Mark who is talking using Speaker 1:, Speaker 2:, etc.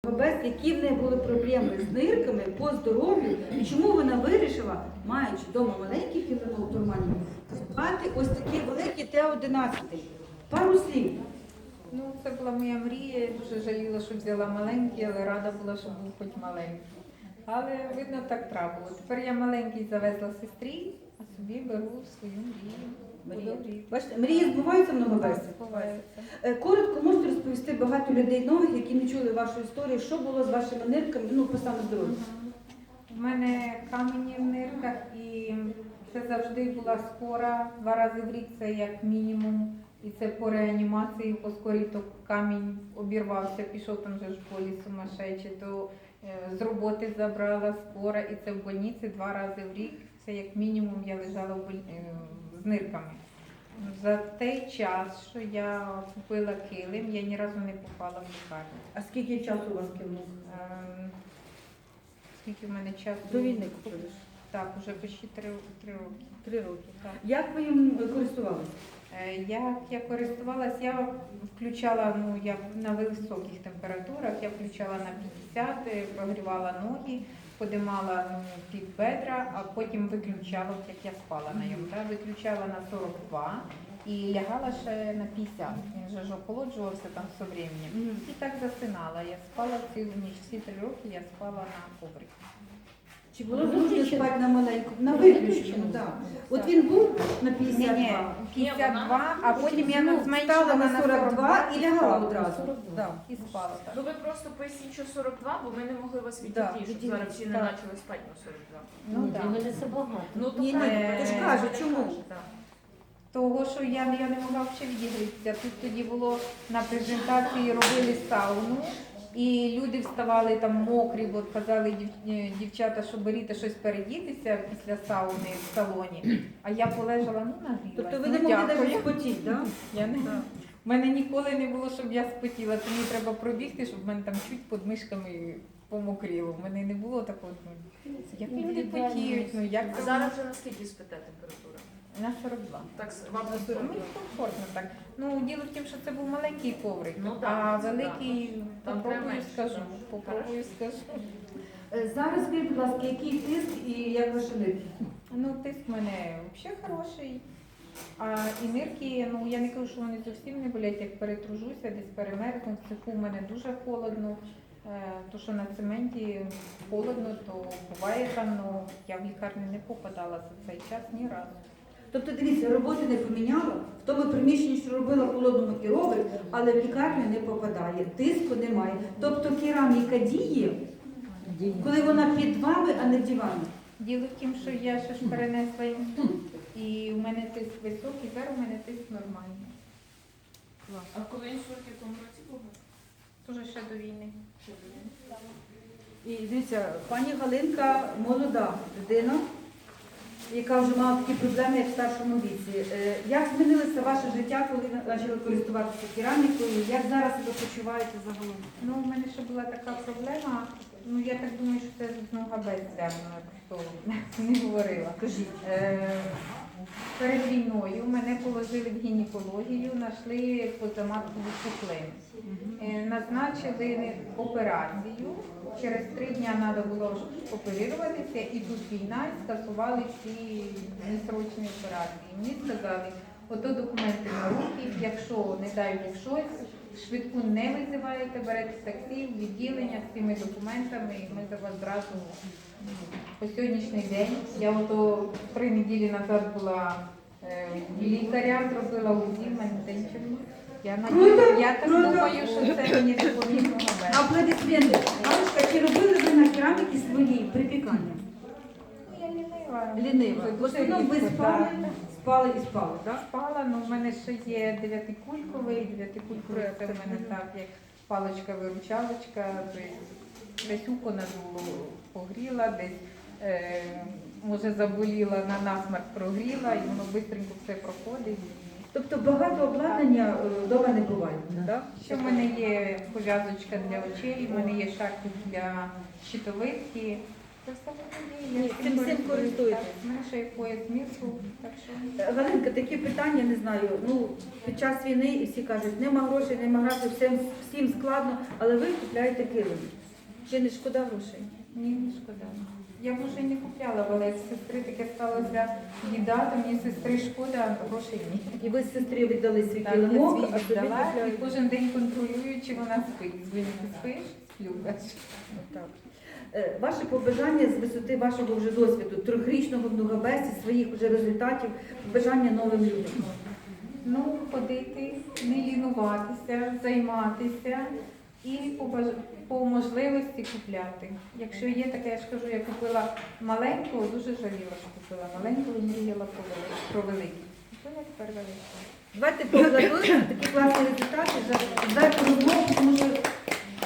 Speaker 1: Які в неї були проблеми з нирками по здоров'ю і чому вона вирішила, маючи вдома маленький філінол турманів, мати ось такий великий Т-11. Пару слів.
Speaker 2: Ну, це була моя мрія, я дуже жаліла, що взяла маленький, але рада була, що був хоч маленький. Але, видно, так трапило. Тепер я маленький завезла сестрі, а собі беру свою мрію.
Speaker 1: Бачите, мрії збуваються много разів?
Speaker 2: Збуваються.
Speaker 1: Коротко можете розповісти багато людей нових, які не чули вашу історію, що було з вашими нирками, ну, по саме здоров'ю?
Speaker 2: У мене камені в нирках і це завжди була скора, 2 рази в рік це як мінімум. І це по реанімації, по скорій, то камінь обірвався, пішов там вже в школі сумасшедший, то з роботи забрала скора, і це в больниці 2 рази в рік. Це як мінімум я лежала з нирками. За той час, що я купила килим, я ні разу не попала в лікарню.
Speaker 1: А скільки часу у вас килимок?
Speaker 2: Скільки в мене часу?
Speaker 1: До війни купили?
Speaker 2: Так, вже почти 3 роки.
Speaker 1: 3 роки.
Speaker 2: Так.
Speaker 1: Як ви їм користувалися?
Speaker 2: Як я користувалась, я включала, я на високих температурах, я включала на 50, прогрівала ноги, подимала під бедра, а потім виключала, як я спала на ньому, виключала на 42 і лягала ще на 50. Він же ж охолоджувався там все временем. І так засинала. Я спала цілу ніч, всі 3 роки я спала на коврику.
Speaker 1: Чи було зручно спати на маленькому? На виключеному, так. От він був на 52.
Speaker 2: Ні, 52, а потім я
Speaker 1: Стала на 42 і лягала одразу.
Speaker 2: І спала так.
Speaker 3: Ну ви просто поясніть, що 42, бо ми не могли вас
Speaker 1: Да,
Speaker 3: відійти, щоб зараз всі не
Speaker 2: так.
Speaker 3: почали спати на 42.
Speaker 2: Ну,
Speaker 4: Для
Speaker 2: так.
Speaker 4: мене це багато.
Speaker 3: Ну, то
Speaker 1: Ні,
Speaker 3: правильно,
Speaker 1: то ж
Speaker 3: я
Speaker 1: кажу,
Speaker 3: не
Speaker 1: чому?
Speaker 3: кажу, так.
Speaker 2: Того, що я не могла взагалі відігрітися. Тут тоді було на презентації, робили сауну, і люди вставали там мокрі, бо казали дівчата, що беріть щось передітися після сауни в салоні. А я полежала, нагрілась.
Speaker 1: Тобто ви не могли навіть спотіти, так?
Speaker 2: Я не У мене ніколи не було, щоб я спотіла. Це мені треба пробігти, щоб в мене там чуть під мишками помокріло. У мене не було такого. Як люди потіють, як
Speaker 3: А
Speaker 2: це
Speaker 3: зараз вже наскільки спите температура?
Speaker 2: на 42.
Speaker 3: Так, вам на
Speaker 2: Мені
Speaker 3: 42.
Speaker 2: комфортно так. Діло в тім, що це був маленький коврик,
Speaker 3: Ну,
Speaker 2: а
Speaker 3: так, це
Speaker 2: великий,
Speaker 3: Там
Speaker 2: попробую
Speaker 3: треба
Speaker 2: скажу.
Speaker 3: менше,
Speaker 2: Попробую скажу.
Speaker 1: Зараз скажіть, будь ласка, який тиск і як ваші нирки?
Speaker 2: Тиск в мене взагалі хороший. А і нирки, я не кажу, що вони зовсім не болять, як перетружуся, десь перемерзну. В цеху в мене дуже холодно. То, що на цементі холодно, то буває там, я в лікарню не попадала за цей час ні разу.
Speaker 1: Тобто, дивіться, роботи не поміняла, в тому приміщенні, що робила в холодному і робить, але в лікарню не попадає, тиску немає. Тобто кераміка діє, коли вона під вами, а не в дивані.
Speaker 2: Діло в тім, що я ще ж перенесла інсульт, і в мене тиск високий, зараз у мене тиск нормальний.
Speaker 3: А коли інсульт, в якому році був?
Speaker 2: Дуже ще до війни.
Speaker 1: І дивіться, пані Галинка молода людина, яка вже мала такі проблеми, як в старшому віці. Як змінилося ваше життя, коли ви почали користуватися керамікою? Як зараз ви почуваєте загалом?
Speaker 2: У мене ще була така проблема, я так думаю, що це з ногабець зв'язано, хто не говорила.
Speaker 1: Кажіть.
Speaker 2: Перед війною мене положили в гінекологію, знайшли позаматкову пухлину. Назначили операцію, через 3 дні треба було оперуватися, і тут війна, і скасували всі несрочні операції. Мені сказали, ото документи на руки, якщо, не дай Бог щось, швидку не визиваєте, берете таксі, в відділення з цими документами, і ми за вас зразу по сьогоднішній день. Я 3 неділі назад була в лікаря, зробила УЗІ, в мене нічого. Я так думаю, що це мені допомігло набити.
Speaker 1: Аплодисменти. Галочка, чи робили ви на кераміки свої припікання?
Speaker 2: Я лінива.
Speaker 1: Лінива. В основному ви спали і спали, так?
Speaker 2: Спала, в мене ще є 9-кульковий, 9-кульковий, це в мене так, як паличка-виручалочка, десь уко надуло погріла, десь, може, заболіла, на насмерть прогріла, і воно швидко все проходить.
Speaker 1: Тобто багато обладнання вдома не буває, так?
Speaker 2: Ще в мене є пов'язочка для очей, в мене є шарфик для щитовидки, Це все вони є.
Speaker 1: Ні, цим всім користуєтесь.
Speaker 2: У мене ще є пояс мірку, так що...
Speaker 1: Галинка, такі питання, не знаю, ну, під час війни і всі кажуть, нема грошей, нема грошей, всім складно, але ви купляєте килим. Чи не шкода грошей?
Speaker 2: Ні, не шкода. Я б вже й не купляла, але як сестри таке сталося біда, то мені сестри шкода, а грошей ні.
Speaker 1: І ви з сестрі віддали свій
Speaker 2: Так, я
Speaker 1: килимок,
Speaker 2: свій
Speaker 1: а собі
Speaker 2: віддала і
Speaker 1: купляєте.
Speaker 2: кожен день контролюю, чи вона спить. Дзвоню, ти спиш? Сплю.
Speaker 1: Так. Ваше побажання з висоти вашого вже досвіду, трьохрічного в Нугабесі, своїх вже результатів, побажання новим людям.
Speaker 2: Ну, ходити, не лінуватися, займатися і по можливості купляти. Якщо є таке, я ж кажу, я купила маленького, дуже жаліла, що купила маленького і мріяла про великий. То не тепер великий.
Speaker 1: Давайте поаплодуємо за такі класні результати, за розмову, тому що